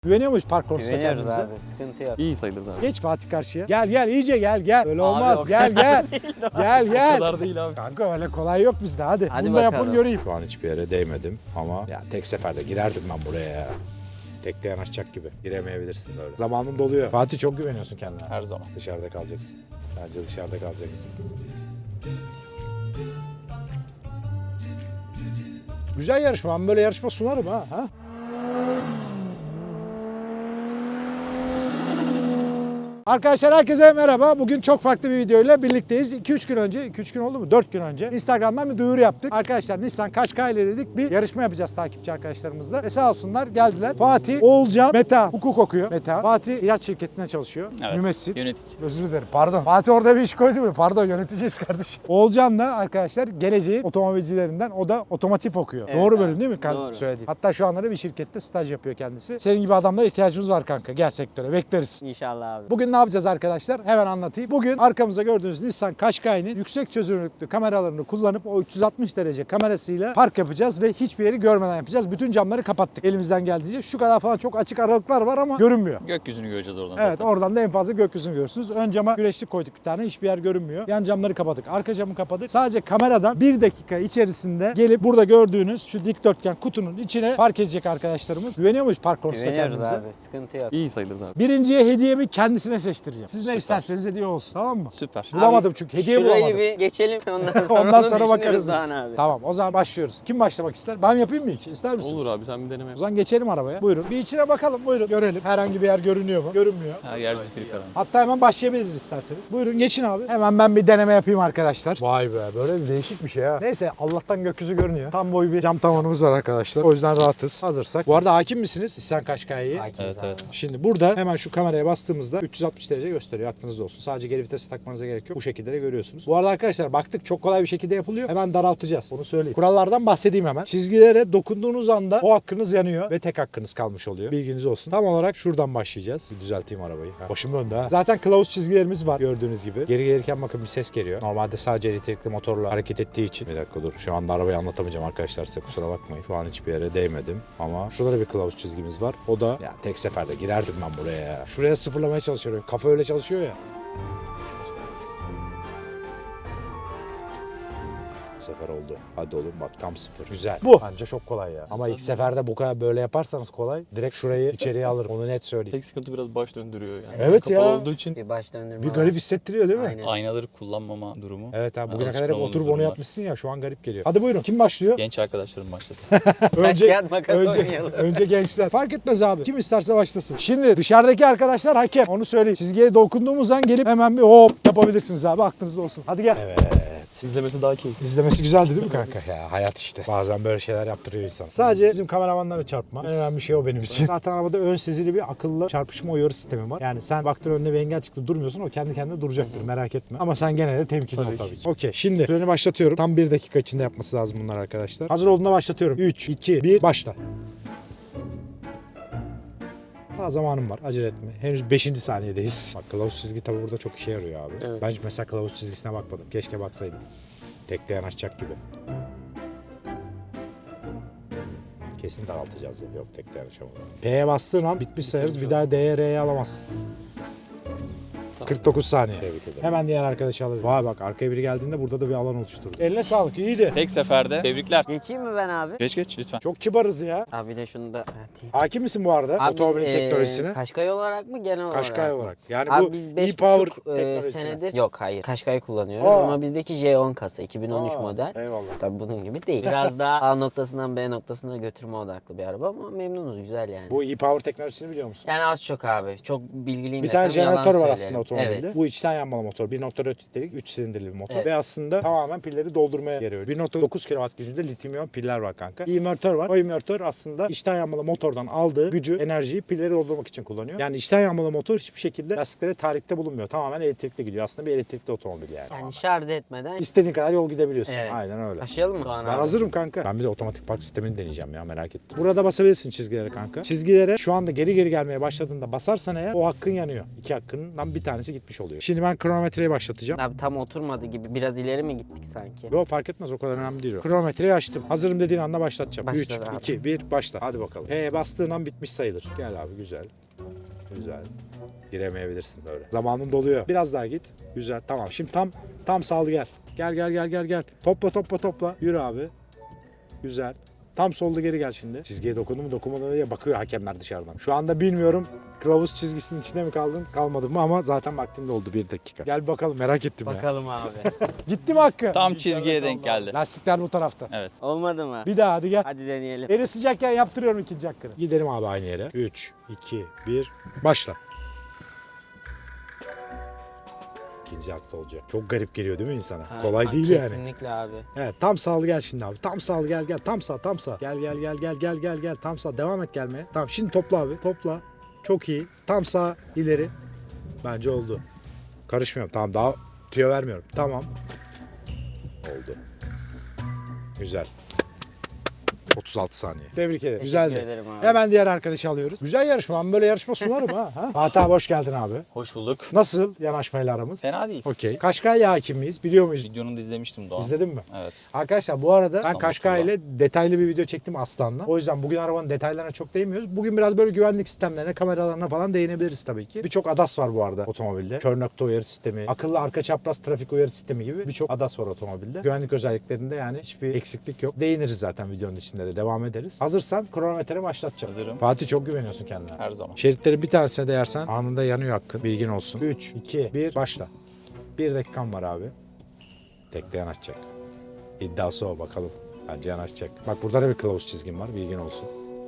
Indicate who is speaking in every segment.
Speaker 1: Güveniyor muyuz park konusunda
Speaker 2: Güveniyoruz
Speaker 1: kendimize?
Speaker 2: abi, sıkıntı yok.
Speaker 3: İyi sayılırız abi.
Speaker 1: Geç Fatih karşıya. Gel iyice gel. Öyle
Speaker 2: Abi
Speaker 1: olmaz.
Speaker 2: o
Speaker 1: Gel.
Speaker 3: O
Speaker 1: Gel.
Speaker 3: kadar değil abi.
Speaker 1: Kanka öyle kolay yok bizde hadi.
Speaker 2: Hadi
Speaker 1: Bunu da yapın
Speaker 2: bakalım.
Speaker 1: göreyim. Şu an hiçbir yere değmedim ama ya tek seferde girerdim ben buraya ya. Tekte yanaşacak gibi. Giremeyebilirsin böyle. Zamanın doluyor. Fatih çok güveniyorsun kendine.
Speaker 3: Her zaman.
Speaker 1: Dışarıda kalacaksın. Bence dışarıda kalacaksın. Güzel yarışma. Ben böyle yarışma sunarım ha. Arkadaşlar herkese merhaba. Bugün çok farklı bir videoyla birlikteyiz. 2-3 gün önce, 2-3 gün oldu mu? 4 gün önce Instagram'dan bir duyuru yaptık. Arkadaşlar Nissan Qashqai ile dedik bir yarışma yapacağız takipçi arkadaşlarımızla. Ve sağ olsunlar geldiler. Fatih, Oğulcan, Meta hukuk okuyor. Meta. Fatih ilaç şirketinde çalışıyor.
Speaker 3: Evet.
Speaker 1: Mümessil.
Speaker 3: Yönetici.
Speaker 1: Özür dilerim. Pardon. Fatih orada bir iş koydu mu? Pardon yöneteceğiz kardeşim. Oğulcan da arkadaşlar geleceğin otomobilcilerinden. O da otomotiv okuyor.
Speaker 2: Evet,
Speaker 1: Doğru
Speaker 2: abi.
Speaker 1: bölüm değil mi?
Speaker 2: Doğru.
Speaker 1: Söylediğim. Hatta şu anları bir şirkette staj yapıyor kendisi. Senin gibi adamlara ihtiyacımız var kanka. Gel sektöre. Bekleriz.
Speaker 2: İnşallah abi.
Speaker 1: Bugün ne yapacağız arkadaşlar? Hemen anlatayım. Bugün arkamızda gördüğünüz Nissan Qashqai'nin yüksek çözünürlüklü kameralarını kullanıp o 360 derece kamerasıyla park yapacağız ve hiçbir yeri görmeden yapacağız. Bütün camları kapattık elimizden geldiğince. Şu kadar falan çok açık aralıklar var ama görünmüyor.
Speaker 3: Gökyüzünü göreceğiz oradan
Speaker 1: Evet
Speaker 3: zaten.
Speaker 1: oradan da en fazla gökyüzünü görürsünüz. Ön cama güneşlik koyduk bir tane. Hiçbir yer görünmüyor. Yan camları kapadık. Arka camı kapadık. Sadece kameradan 1 dakika içerisinde gelip burada gördüğünüz şu dikdörtgen kutunun içine park edecek arkadaşlarımız. Güveniyor muyuz park konusunda
Speaker 2: Güveniyoruz
Speaker 1: kendimize?
Speaker 2: abi, sıkıntı yok.
Speaker 3: İyi sayılırız abi.
Speaker 1: Birinciye hediyemi kendisine seçtireceğim. Siz ne
Speaker 3: Süper.
Speaker 1: isterseniz hediye olsun. Tamam mı?
Speaker 3: Süper.
Speaker 1: Bulamadım çünkü. Hediye
Speaker 2: Şurayı
Speaker 1: bulamadım.
Speaker 2: bir geçelim ondan sonra
Speaker 1: Ondan
Speaker 2: onu
Speaker 1: sonra bakarız
Speaker 2: düşünürüz
Speaker 1: biz.
Speaker 2: Doğan abi.
Speaker 1: Tamam o zaman başlıyoruz. Kim başlamak ister? Ben yapayım mı ilk? İster misiniz?
Speaker 3: Olur abi sen bir deneme
Speaker 1: O
Speaker 3: yap.
Speaker 1: zaman geçelim arabaya. Buyurun. Bir içine bakalım. Buyurun. Görelim. Herhangi bir yer görünüyor mu? Görünmüyor.
Speaker 3: Her yer zifiri karanlık.
Speaker 1: Hatta hemen başlayabiliriz isterseniz. Buyurun geçin abi. Hemen ben bir deneme yapayım arkadaşlar. Vay be böyle bir değişik bir şey ha. Neyse Allah'tan gökyüzü görünüyor. Tam boy bir cam tavanımız var arkadaşlar. O yüzden rahatız. Hazırsak. Bu arada hakim misiniz Nissan Qashqai'ye?
Speaker 2: Hakimiz
Speaker 3: Evet,
Speaker 2: abi.
Speaker 3: evet.
Speaker 1: Şimdi burada hemen şu kameraya bastığımızda 360 derece gösteriyor. Aklınızda olsun. Sadece geri vitesi takmanıza gerek yok. Bu şekilde de görüyorsunuz. Bu arada arkadaşlar baktık çok kolay bir şekilde yapılıyor. Hemen daraltacağız. Onu söyleyeyim. Kurallardan bahsedeyim hemen. Çizgilere dokunduğunuz anda o hakkınız yanıyor ve tek hakkınız kalmış oluyor. Bilginiz olsun. Tam olarak şuradan başlayacağız. Bir düzelteyim arabayı. Başım önde ha. Zaten kılavuz çizgilerimiz var gördüğünüz gibi. Geri gelirken bakın bir ses geliyor. Normalde sadece elektrikli motorla hareket ettiği için. Bir dakika dur. Şu anda arabayı anlatamayacağım arkadaşlar size kusura bakmayın. Şu an hiçbir yere değmedim. Ama şurada bir kılavuz çizgimiz var. O da ya tek seferde girerdim ben buraya ya. Şuraya sıfırlamaya çalışıyorum. Kafa öyle çalışıyor ya. Bu sefer oldu. Hadi oğlum bak tam sıfır. Güzel. Bu. Bence çok kolay ya. Ama ilk seferde bu kadar böyle yaparsanız kolay. Direkt şurayı içeriye alırım. Onu net söyleyeyim.
Speaker 3: Tek sıkıntı biraz baş döndürüyor yani.
Speaker 1: Evet
Speaker 3: Kapalı
Speaker 1: ya.
Speaker 3: olduğu için
Speaker 2: Bir baş döndürme
Speaker 1: Bir
Speaker 2: var.
Speaker 1: garip hissettiriyor değil mi?
Speaker 2: Aynen.
Speaker 3: aynaları kullanmama durumu.
Speaker 1: Evet abi bugüne
Speaker 3: Alışkın
Speaker 1: kadar hep
Speaker 3: olmamız
Speaker 1: oturup onu
Speaker 3: durumlar.
Speaker 1: yapmışsın ya şu an garip geliyor. Hadi buyurun. Kim başlıyor?
Speaker 3: Genç arkadaşlarım başlasın.
Speaker 2: Taş kağıt makas oynayalım.
Speaker 1: önce gençler. Fark etmez abi. Kim isterse başlasın. Şimdi dışarıdaki arkadaşlar hakem. Onu söyleyeyim. Çizgiye dokunduğumuz an gelip hemen bir hop yapabilirsiniz abi. Aklınızda olsun. Hadi gel. Evet.
Speaker 3: İzlemesi daha keyifli.
Speaker 1: İzlemesi güzeldi değil mi kanka? Ya hayat işte. Bazen böyle şeyler yaptırıyor insan. Sadece bizim kameramanları çarpma. En önemli şey o benim için. Zaten arabada ön sezili bir akıllı çarpışma uyarı sistemi var. Yani sen baktın önüne bir engel çıktı durmuyorsun o kendi kendine duracaktır merak etme. Ama sen gene de temkinli ol
Speaker 3: Tabii
Speaker 1: tabii
Speaker 3: ki.
Speaker 1: ki. Okey şimdi süreni başlatıyorum. Tam 1 dakika içinde yapması lazım bunlar arkadaşlar. Hazır olduğunda başlatıyorum. 3, 2, 1 başla. Daha zamanım var. Acele etme. Henüz 5. saniyedeyiz. Bak kılavuz çizgi tabi burada çok işe yarıyor abi.
Speaker 3: Evet.
Speaker 1: Ben hiç mesela kılavuz çizgisine bakmadım. Keşke baksaydım. Tekte yanaşacak gibi. Kesin daraltacağız ya. Yok tekte yanaşamadım. P'ye bastığın an bitmiş sayarız. Bir daha D'ye R'ye alamazsın. 49 saniye. Tebrik ederim. Hemen diğer arkadaşı alır. Vay bak arkaya biri geldiğinde burada da bir alan oluşturdu. Eline sağlık iyiydi.
Speaker 3: Tek seferde tebrikler.
Speaker 2: Geçeyim mi ben abi?
Speaker 3: Geç lütfen.
Speaker 1: Çok kibarız ya.
Speaker 2: Abi bir de şunu da atayım.
Speaker 1: Hakim misin bu arada
Speaker 2: Abi biz,
Speaker 1: otomobil teknolojisine?
Speaker 2: Qashqai olarak mı genel olarak?
Speaker 1: Qashqai olarak. Yani
Speaker 2: Abi
Speaker 1: bu
Speaker 2: biz 5,5
Speaker 1: e-Power teknolojisine.
Speaker 2: senedir yok hayır Qashqai kullanıyoruz
Speaker 1: Aa.
Speaker 2: ama bizdeki J10 kasa 2013
Speaker 1: Aa,
Speaker 2: model.
Speaker 1: Eyvallah.
Speaker 2: Tabii bunun gibi değil. Biraz daha A noktasından B noktasına götürme odaklı bir araba ama memnunuz güzel yani.
Speaker 1: Bu e-Power teknolojisini biliyor musun?
Speaker 2: Yani az çok abi. Çok bilgiliyim
Speaker 1: Bir tane
Speaker 2: desem yalan
Speaker 1: jeneratör var
Speaker 2: söylerim.
Speaker 1: aslında otomobilde.
Speaker 2: Evet.
Speaker 1: Bu içten yanmalı motor. 1.4 litrelik 3 silindirli bir motor.
Speaker 2: Evet.
Speaker 1: Ve aslında tamamen pilleri doldurmaya yarıyor. 1.9 kW gücünde lityum iyon piller var kanka. Bir invertör var. O invertör aslında içten yanmalı motordan aldığı gücü, enerjiyi pilleri doldurmak için kullanıyor. Yani içten yanmalı motor hiçbir şekilde lastiklere tahrikte bulunmuyor. Tamamen elektrikli gidiyor. Aslında bir elektrikli otomobil yani.
Speaker 2: Yani şarj etmeden.
Speaker 1: İstediğin kadar yol gidebiliyorsun.
Speaker 2: Evet.
Speaker 1: Aynen öyle.
Speaker 2: Başlayalım mı Doğan
Speaker 1: Ben
Speaker 2: abi?
Speaker 1: hazırım kanka. Ben bir de otomatik park sistemini deneyeceğim ya merak ettim. Burada basabilirsin çizgilere kanka. Çizgilere şu anda geri gelmeye başladığında basarsan eğer o hakkın yanıyor. 2 hakkından bir tanesi tanesi gitmiş oluyor. Şimdi ben kronometreyi başlatacağım.
Speaker 2: Abi tam oturmadı gibi. Biraz ileri mi gittik sanki?
Speaker 1: Yok fark etmez, o kadar önemli değil o. Kronometreyi açtım. Hazırım dediğin anda başlatacağım.
Speaker 2: Başladı
Speaker 1: 3,
Speaker 2: abi.
Speaker 1: 2, 1 başla. Hadi bakalım. P bastığın an bitmiş sayılır. Gel abi güzel. Güzel. Giremeyebilirsin böyle. Zamanın doluyor. Biraz daha git. Güzel. Tamam. Şimdi tam sağlı gel. Gel. Topla. Yürü abi. Güzel. Tam solda geri gel şimdi. Çizgiye dokundu mu dokunmadı mı diye bakıyor hakemler dışarıdan. Şu anda bilmiyorum kılavuz çizgisinin içinde mi kaldın kalmadın mı ama zaten vaktinde oldu 1 dakika. Gel bakalım, merak ettim ya.
Speaker 2: Bakalım abi.
Speaker 1: Gitti mi Hakkı?
Speaker 3: Tam çizgiye denk geldi.
Speaker 1: Lastikler bu tarafta.
Speaker 3: Evet.
Speaker 2: Olmadı mı?
Speaker 1: Bir daha hadi gel.
Speaker 2: Hadi deneyelim.
Speaker 1: Eli sıcakken yaptırıyorum ikinci hakkını. Gidelim abi aynı yere. 3, 2, 1 başla. İkinci hakta olacak. Çok garip geliyor değil mi insana?
Speaker 2: Ha,
Speaker 1: Kolay değil yani.
Speaker 2: Kesinlikle abi.
Speaker 1: Evet, tam sağlı gel şimdi abi. Tam sağlı gel. Tam sağ. Gel. Tam sağ. Devam et gelmeye. Tamam şimdi topla abi. Topla. Çok iyi. Tam sağ ileri. Bence oldu. Karışmıyorum. Tamam, daha tüyo vermiyorum. Tamam. Oldu. Güzel. 36 saniye. Tebrik ederim. Güzeldi.
Speaker 2: ederim abi.
Speaker 1: Hemen diğer arkadaşı alıyoruz. Güzel yarışma. Ben böyle yarışma sunarım ha. Fatih abi hoş geldin abi.
Speaker 3: Hoş bulduk.
Speaker 1: Nasıl yanaşmayla aramız?
Speaker 3: Fena değil.
Speaker 1: Okey. Kaşkay'la hakim miyiz? Biliyor muyuz?
Speaker 3: Videonu da izlemiştim Doğan.
Speaker 1: İzledin mi?
Speaker 3: Evet.
Speaker 1: Arkadaşlar bu arada ben
Speaker 3: İstanbul
Speaker 1: Kaşkay ile detaylı bir video çektim Aslan'la. O yüzden bugün arabanın detaylarına çok değinmiyoruz. Bugün biraz böyle güvenlik sistemlerine, kameralarına falan değinebiliriz tabii ki. Birçok ADAS var bu arada otomobilde. Kör nokta uyarı sistemi, akıllı arka çapraz trafik uyarı sistemi gibi birçok ADAS var otomobilde. Güvenlik özelliklerinde yani hiçbir eksiklik yok. Değiniriz zaten videonun içinde de, devam ederiz. Hazırsan kronometreyi başlatacağım.
Speaker 3: Hazırım.
Speaker 1: Fatih çok güveniyorsun kendine.
Speaker 3: Her zaman.
Speaker 1: Şeritleri bir tanesine değersen anında yanıyor hakkın. Bilgin olsun. 3, 2, 1 başla. 1 dakikan var abi. Tekte yanaşacak. İddiası o, bakalım. Bence yanaşacak. Bak burada da bir kılavuz çizgim var. Bilgin olsun.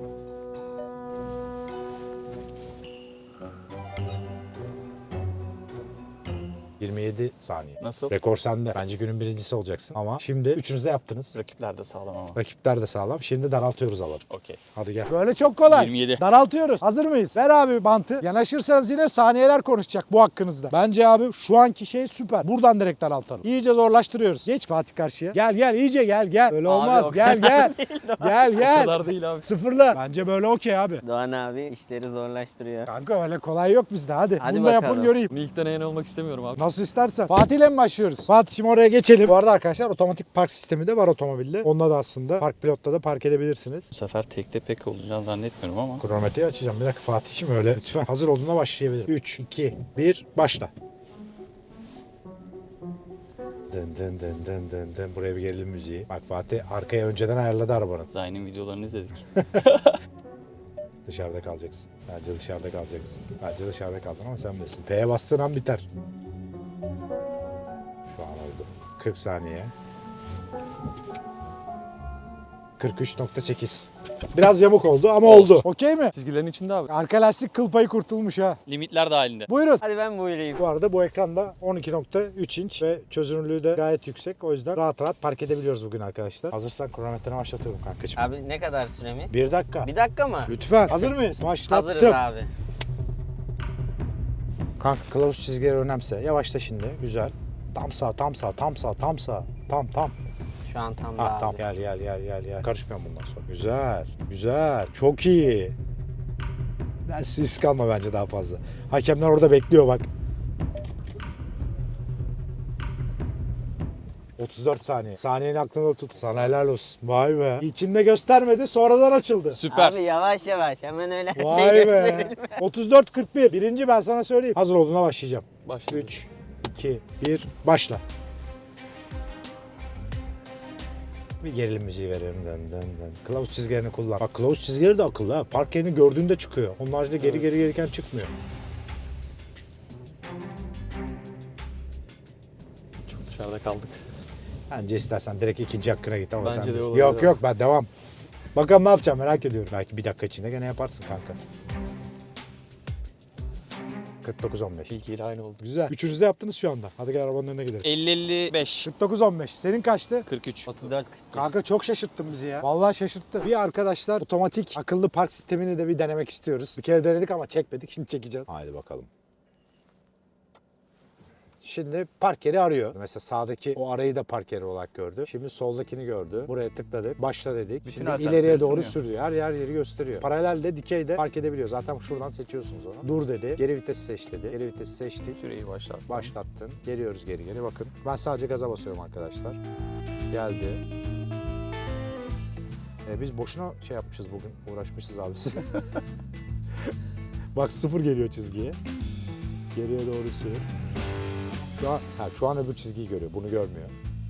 Speaker 1: ...27 saniye.
Speaker 3: Nasıl?
Speaker 1: Rekor sende. Bence günün birincisi olacaksın. Ama şimdi üçünüz de yaptınız.
Speaker 3: Rakipler de sağlam ama.
Speaker 1: Rakipler de sağlam. Şimdi daraltıyoruz alanı.
Speaker 3: Okey.
Speaker 1: Hadi gel. Böyle çok kolay.
Speaker 3: 27.
Speaker 1: Daraltıyoruz. Hazır mıyız? Ver abi bantı. Yanaşırsanız yine saniyeler konuşacak bu hakkınızda. Bence abi şu anki şey süper. Buradan direkt daraltalım. İyice zorlaştırıyoruz. Geç Fatih karşıya. Gel iyice gel. Öyle olmaz.
Speaker 2: o
Speaker 1: Gel.
Speaker 3: O kadar değil abi.
Speaker 1: Sıfırla. Bence böyle okey abi.
Speaker 2: Doğan abi işleri zorlaştırıyor.
Speaker 1: Kanka öyle kolay yok bizde. Hadi.
Speaker 2: Hadi
Speaker 1: Bunu da yapın
Speaker 2: bakalım.
Speaker 1: göreyim.
Speaker 3: İlk deneyen olmak istemiyorum abi.
Speaker 1: Nasıl istersen. Fatih'le mi başlıyoruz? Fatih şimdi oraya geçelim. Bu arada arkadaşlar otomatik park sistemi de var otomobilde. Onunla da aslında Park Pilot'ta da park edebilirsiniz.
Speaker 3: Bu sefer tekte pek olacağını zannetmiyorum ama.
Speaker 1: Kronometreyi açacağım. Bir dakika Fatih'im öyle. Lütfen. Hazır olduğunda başlayabilirim. 3, 2, 1 başla. Dın. Buraya bir gerilim müziği. Bak Fatih arkaya önceden ayarladı arabanın.
Speaker 3: Zayn'in videolarını izledik.
Speaker 1: Dışarıda kalacaksın. Bence dışarıda kaldın ama sen bilirsin. P'ye bastığın an biter. Şu an oldu. 40 saniye. 43.8. Biraz yamuk oldu ama
Speaker 3: Olsun.
Speaker 1: oldu. Okey mi?
Speaker 3: Çizgilerin içinde abi.
Speaker 1: Arka lastik kıl payı kurtulmuş ha.
Speaker 3: Limitler dahilinde.
Speaker 1: Buyurun.
Speaker 2: Hadi ben buyurayım.
Speaker 1: Bu arada bu ekranda 12.3 inç ve çözünürlüğü de gayet yüksek. O yüzden rahat park edebiliyoruz bugün arkadaşlar. Hazırsan kronometreni başlatıyorum kankacığım.
Speaker 2: Abi ne kadar süremiz?
Speaker 1: 1 dakika.
Speaker 2: 1 dakika mı?
Speaker 1: Lütfen. Hazır mıyız? Başlattım.
Speaker 2: Hazırız abi.
Speaker 1: Kanka kılavuz çizgileri önemse. Yavaşla şimdi. Güzel. Tam sağ. Tam.
Speaker 2: Şu an tam da
Speaker 1: Ha
Speaker 2: abi.
Speaker 1: tamam. Gel. Karışmıyorum bundan sonra. Güzel. Çok iyi. Siz kalma bence daha fazla. Hakemler orada bekliyor bak. 34 saniye. Saniyenin aklında tut. Sana helal olsun. Vay be. İlkinde göstermedi, sonradan açıldı.
Speaker 3: Süper.
Speaker 2: Abi yavaş hemen öyle her
Speaker 1: Vay
Speaker 2: şey
Speaker 1: be.
Speaker 2: gösterelim.
Speaker 1: 34-41. Birinci ben sana söyleyeyim. Hazır olduğuna başlayacağım.
Speaker 3: Başla.
Speaker 1: 3, 2, 1, başla. Bir gerilim müziği veriyorum. Dın. Kılavuz çizgilerini kullan. Bak kılavuz çizgileri de akıllı ha. Park yerini gördüğünde çıkıyor. Onun haricinde geri gelirken çıkmıyor.
Speaker 3: Çok dışarıda kaldık.
Speaker 1: Bence istersen direkt ikinci hakkına git ama
Speaker 3: Bence
Speaker 1: sen
Speaker 3: de
Speaker 1: bilirsin.
Speaker 3: olabilir.
Speaker 1: Yok ben devam. Bakalım ne yapacağım merak ediyorum. Belki bir dakika içinde gene yaparsın kanka. 49-15.
Speaker 3: İlkiyle aynı oldu.
Speaker 1: Güzel. Üçünüz de yaptınız şu anda. Hadi gel arabanın önüne gidelim.
Speaker 3: 50-55.
Speaker 1: 49-15. Senin kaçtı?
Speaker 3: 43.
Speaker 2: 34
Speaker 1: Kanka çok şaşırttın bizi ya. Vallahi şaşırttı. Bir arkadaşlar otomatik akıllı park sistemini de bir denemek istiyoruz. Bir kere denedik ama çekmedik. Şimdi çekeceğiz. Haydi bakalım. Şimdi park yeri arıyor. Mesela sağdaki o arayı da park yeri olarak gördü. Şimdi soldakini gördü. Buraya tıkladık. Başla dedik.
Speaker 3: Bütün
Speaker 1: Şimdi
Speaker 3: alternatifleri
Speaker 1: ileriye doğru
Speaker 3: sunuyor.
Speaker 1: sürüyor. Her yeri gösteriyor. Paralelde, dikeyde park edebiliyor. Zaten şuradan seçiyorsunuz onu. Dur dedi. Geri vitesi seç dedi. Geri vitesi seçtik.
Speaker 3: Süreyi başlat.
Speaker 1: Başlattın. Geliyoruz geri. Bakın. Ben sadece gaza basıyorum arkadaşlar. Geldi. Biz boşuna şey yapmışız bugün. Uğraşmışız abi siz. Bak 0 geliyor çizgiye. Geriye doğru sür. Şu an öbür çizgiyi görüyor. Bunu görmüyor.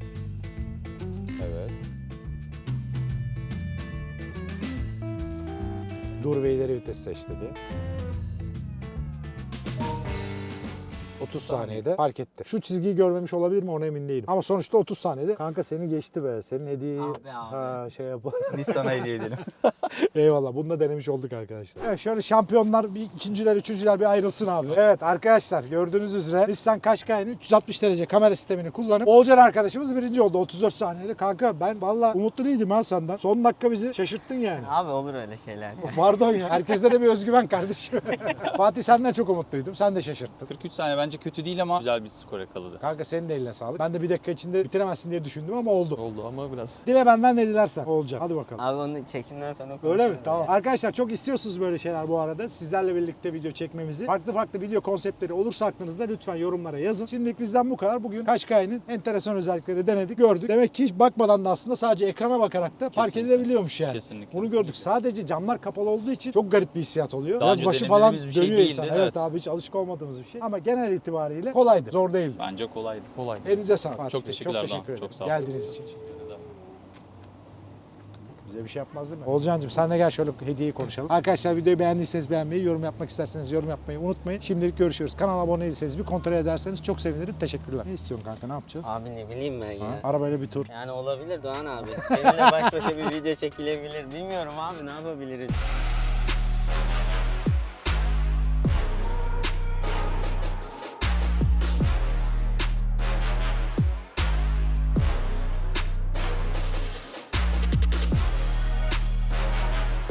Speaker 1: Evet. Dur ve ileri vites seç dedi. 30 saniyede fark etti. Şu çizgiyi görmemiş olabilir mi ona emin değilim. Ama sonuçta 30 saniyede. Kanka seni geçti be. Senin hediyeyi şey yapalım.
Speaker 3: Nissan'a hediye edelim.
Speaker 1: Eyvallah. Bunu da denemiş olduk arkadaşlar. Evet şöyle şampiyonlar, bir ikinciler, üçüncüler bir ayrılsın abi. Evet arkadaşlar gördüğünüz üzere Nissan Qashqai'nin 360 derece kamera sistemini kullanıp Olcan arkadaşımız birinci oldu 34 saniyede. Kanka ben valla umutlu değildim ha senden. Son dakika bizi şaşırttın yani.
Speaker 2: Abi olur öyle şeyler.
Speaker 1: Pardon ya. Herkeslere bir özgüven kardeşim. Fatih senden çok umutluydum. Sen de şaşırttın.
Speaker 3: 43 saniye bence kötü değil ama güzel bir skor yakaladı.
Speaker 1: Kanka senin de eline sağlık. Ben de bir dakika içinde bitiremezsin diye düşündüm ama oldu.
Speaker 3: Oldu ama biraz.
Speaker 1: Dile benden ne dilersen olacak. Hadi bakalım.
Speaker 2: Abi onu çekimden sonra
Speaker 1: Öyle
Speaker 2: konuşuruz
Speaker 1: mi? Tamam. Arkadaşlar çok istiyorsunuz böyle şeyler bu arada. Sizlerle birlikte video çekmemizi. Farklı video konseptleri olursa aklınızda lütfen yorumlara yazın. Şimdilik bizden bu kadar. Bugün Qashqai'nin enteresan özellikleri denedik, gördük. Demek ki hiç bakmadan da aslında sadece ekrana bakarak da park
Speaker 3: Kesinlikle.
Speaker 1: edilebiliyormuş yani.
Speaker 3: Kesinlikle.
Speaker 1: Bunu gördük. Sadece camlar kapalı olduğu için çok garip bir hissiyat oluyor.
Speaker 3: Daha
Speaker 1: Biraz
Speaker 3: önce
Speaker 1: başı falan
Speaker 3: denediğimiz bir şey
Speaker 1: dönüyor
Speaker 3: değildi,
Speaker 1: insan.
Speaker 3: evet.
Speaker 1: Evet abi hiç alışık olmadığımız bir şey. Ama genel itibariyle kolaydı. Zor değildi.
Speaker 3: Bence kolaydı. Kolaydı.
Speaker 1: Elinize sağlık. Fatih
Speaker 3: Çok
Speaker 1: Bey.
Speaker 3: teşekkürler
Speaker 1: Çok
Speaker 3: Doğan.
Speaker 1: teşekkür ederim.
Speaker 3: Çok sağ ol.
Speaker 1: Geldiğiniz için. Bize bir şey yapmaz değil mi? Olcancığım sen de gel şöyle hediyeyi konuşalım. Arkadaşlar videoyu beğendiyseniz beğenmeyi, yorum yapmak isterseniz yorum yapmayı unutmayın. Şimdilik görüşürüz. Kanala abone değilseniz bir kontrol ederseniz çok sevinirim. Teşekkürler. Ne istiyorsun kanka, ne yapacağız?
Speaker 2: Abi ne bileyim ben
Speaker 1: Ha?
Speaker 2: ya.
Speaker 1: Arabayla bir tur.
Speaker 2: Yani olabilir Doğan abi. Seninle baş başa bir video çekilebilir. Bilmiyorum abi ne yapabiliriz.